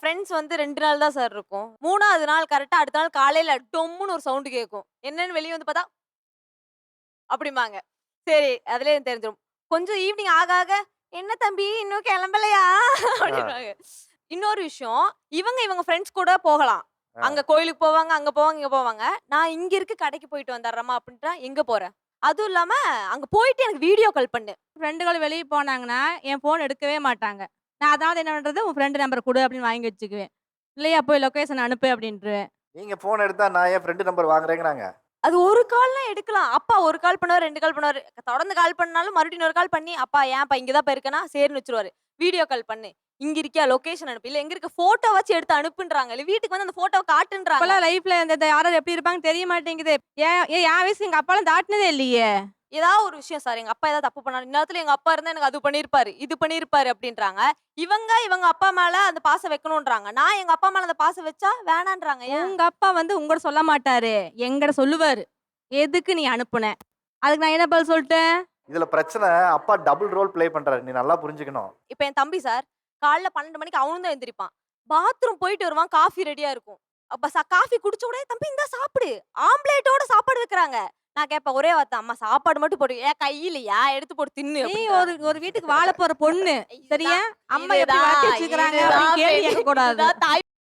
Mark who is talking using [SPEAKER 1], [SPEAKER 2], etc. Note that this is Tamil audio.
[SPEAKER 1] ஃப்ரெண்ட்ஸ் வந்து 2 நாள் தான் சார் இருக்கும். 3வது நாள் கரெக்ட்டா அடுத்த நாள் காலையில டொம்முன்னு ஒரு சவுண்ட் கேட்கும். என்னன்னு வெளிய வந்து பார்த்தா, அப்படிம்பாங்க. சரி, அதிலயே எனக்கு தெரிஞ்சிரும். கொஞ்சம் ஈவ்னிங் ஆக ஆக, "என்ன தம்பி இன்னும் கிளம்பலையா?"
[SPEAKER 2] ஆ,
[SPEAKER 1] அப்படின்னுவாங்க. இன்னொரு விஷயம், இவங்க ஃப்ரெண்ட்ஸ் கூட போகலாம்.
[SPEAKER 2] ஆ.
[SPEAKER 1] அங்க கோயிலுக்கு போவாங்க, அங்க போவாங்க, இங்க போவாங்க. நான் இங்க இருக்க கடைக்கு போயிட்டு வந்துர்றேம்மா அப்படின்ட்டா, எங்க போற? அதுவும் இல்லாம, அங்க போயிட்டு எனக்கு வீடியோ கால் பண்ணு.
[SPEAKER 3] ஃப்ரெண்டுகள் வெளிய போனாங்கன்னா, என் ஃபோன் எடுக்கவே மாட்டாங்க. நான் அதாவது என்ன பண்றது, "உன் ஃப்ரெண்ட் நம்பர் குடு" அப்படின்னு வாங்கி வச்சுக்குவேன். இல்லையா, "போய் லொகேஷன் அனுப்பு" அப்படின்ருவேன்.
[SPEAKER 2] நீங்க ஃபோன் எடுத்தா நான் என் ஃப்ரெண்ட் நம்பர் வாங்குறேங்கிறாங்க.
[SPEAKER 1] அது ஒரு கால்லாம் எடுக்கலாம். அப்பா 1 கால் பண்ணுவாரு, 2 கால் பண்ணுவாரு. தொடர்ந்து கால் பண்ணாலும் மறுபடியும் இன்னொரு கால் பண்ணி, "அப்பா ஏன்ப்பா இங்க தான்ப்பா இருக்கேன்னா?" சரின்னு வச்சுருவாரு. வீடியோ கால் பண்ணு. "இங்க இருக்கியா? லொகேஷன் அனுப்பு." இல்ல எங்க இருக்க ஃபோட்டோவாச்சும் எடுத்து அனுப்புன்றாங்க. இல்ல வீட்டுக்கு வந்து அந்த ஃபோட்டோவ காட்டுன்றாங்க.
[SPEAKER 3] இப்பலாம் லைஃப்ல இந்த யாரார் எப்படி இருப்பாங்கன்னு தெரிய மாட்டேங்குது. என் வயசு எங்க அப்பாலாம் தாட்டுனதே இல்லையே!
[SPEAKER 1] ஏதாவது ஒரு விஷயம் சார், எங்க அப்பா ஏதாவது தப்பு பண்ணாரு. இந்நேரத்துல எங்க அப்பா இருந்தா எனக்கு அது பண்ணியிருப்பாரு, இது பண்ணியிருப்பாரு அப்டின்றாங்க. இவங்க அப்பா மேல அந்த பாசம் வைக்கணுன்றாங்க. நான் எங்க அப்பா மேல அந்த பாசம் வச்சா வேணான்றாங்க. ஏன்?
[SPEAKER 3] உங்க அப்பா வந்து உங்கட்ட சொல்ல மாட்டாரு. என்கிட்ட சொல்லுவாரு. "எதுக்கு நீ அனுப்புன?" அதுக்கு நான் என்ன பதில் சொல்ட்டேன்?
[SPEAKER 2] இதுல பிரச்சனை அப்பா டபுள் ரோல் ப்ளே பண்றாரு. நீ நல்லா புரிஞ்சுக்கணும்.
[SPEAKER 1] இப்ப என் தம்பி சார், காலைல 12 மணிக்கு அவனும் தான் எந்திரிப்பான். பாத்ரூம் போயிட்டு வருவான், காஃபி ரெடியா இருக்கும். அப்ப காஃபி குடிச்ச உடனே, "தம்பி இந்தா சாப்பிடு." ஆம்ப்லேட்டோட சாப்பாடு வைக்கிறாங்க. நான் கேட்பேன் ஒரே வார்த்தை, "அம்மா சாப்பாடு மட்டும் போடு." "ஏன் கையிலயா? எடுத்து போட்டு தின்னு."
[SPEAKER 3] நீ
[SPEAKER 1] அப்படின்றாங்க.
[SPEAKER 3] ஒரு ஒரு வீட்டுக்கு வாழ போற பொண்ணு. சரியா?
[SPEAKER 1] இதுதான்
[SPEAKER 3] அம்மா எப்படி வளர்த்தி வச்சிருக்காங்க
[SPEAKER 1] இதுதான்
[SPEAKER 3] அப்படின்னு கேள்வி
[SPEAKER 1] பெண்
[SPEAKER 3] கேட்கக்கூடாது.
[SPEAKER 1] இதுதான் தாய்